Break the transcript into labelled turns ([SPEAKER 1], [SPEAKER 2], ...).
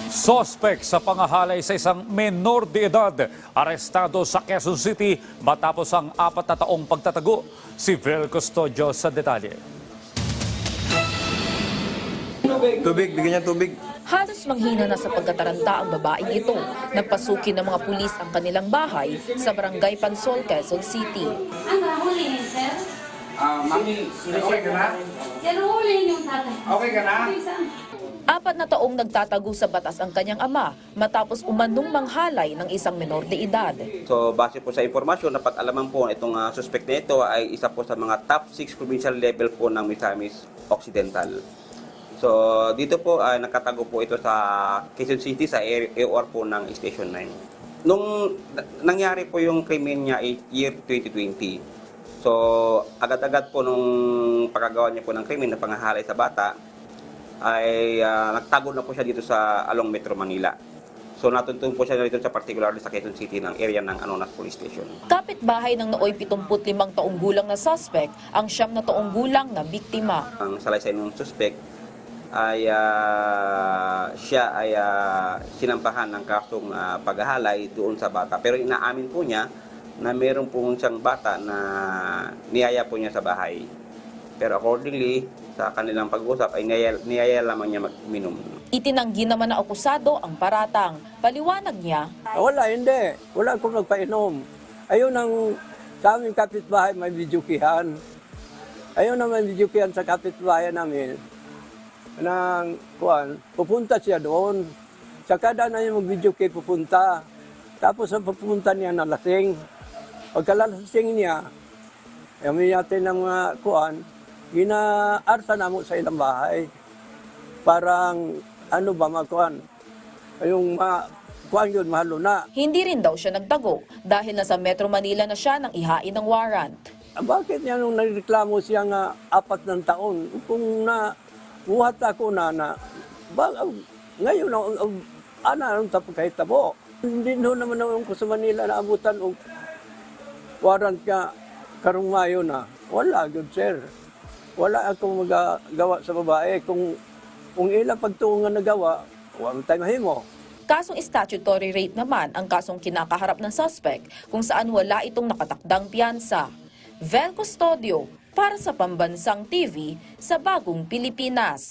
[SPEAKER 1] Sospek sa pangahalay sa isang menor de edad, arestado sa Quezon City matapos ang 4 na taong pagtatago. Si Vel Custodio sa detalye.
[SPEAKER 2] Tubig, bigyan niya tubig.
[SPEAKER 3] Halos manghina na sa pagkataranta ang babaeng ito nang pasukin ng mga pulis ang kanilang bahay sa Barangay Pansol, Quezon City.
[SPEAKER 4] Ano, hulihin, sir?
[SPEAKER 5] Mami, okay ka na?
[SPEAKER 4] Yan, hulihin yung tatay.
[SPEAKER 5] Okay ka na?
[SPEAKER 3] 4 na taong nagtatago sa batas ang kanyang ama matapos umanong manghalay ng isang menor de edad.
[SPEAKER 2] So, base po sa impormasyon, dapat alaman po itong suspect na ito ay isa po sa mga top 6 provincial level po ng Misamis Occidental. So, dito po ay nakatago po ito sa Quezon City sa AOR po ng Station 9. Nung nangyari po yung krimen niya ay year 2020. So, agad-agad po nung pagkagawa niya po ng krimen na pangahalay sa bata, ay nagtago na po siya dito sa Along Metro Manila. So natuntun po siya dito sa particularly sa Quezon City ng area ng Anonas Police Station.
[SPEAKER 3] Kapitbahay ng nooy 75 taong gulang na suspect ang 9 na taong gulang na biktima.
[SPEAKER 2] Ang salaysay ng suspect ay siya ay sinampahan ng kasong paghahalay doon sa bata. Pero inaamin po niya na meron po siyang bata na niyaya po niya sa bahay. Pero accordingly, sa kanilang pag-usap ay niyaya lamang niya mag-minom.
[SPEAKER 3] Itinanggi naman na akusado ang paratang. Paliwanag niya,
[SPEAKER 6] Wala, hindi. Wala akong nagpainom. Ayun ang sa aming kapitbahay may videokihan. Ayun ang may videokihan sa kapitbahay namin. Pupunta siya doon. Sa kada na yung mag-videoki pupunta. Tapos ang pupunta niya na lasing. Pagkalalasing niya, yamin natin ng ginaarsa na mo sa ilang bahay. Parang, yung kuhan yun, mahalo na.
[SPEAKER 3] hindi rin daw siya nagtago dahil nasa Metro Manila na siya nang ihain ng warrant.
[SPEAKER 6] Bakit niya nung nagreklamo siya nga 4 ng taon? Kung buhat ako ngayon, anong tapos kahit tabo? Hindi naman naman ko sa Manila na abutan o warrant ka karong Mayo na. Wala, good sir. Wala akong magagawa sa babae. Kung ilang pagtuungan na gawa, huwag tayo mahimo.
[SPEAKER 3] Kasong statutory rape naman ang kasong kinakaharap ng suspect kung saan wala itong nakatakdang piyansa. Vel Custodio para sa Pambansang TV sa Bagong Pilipinas.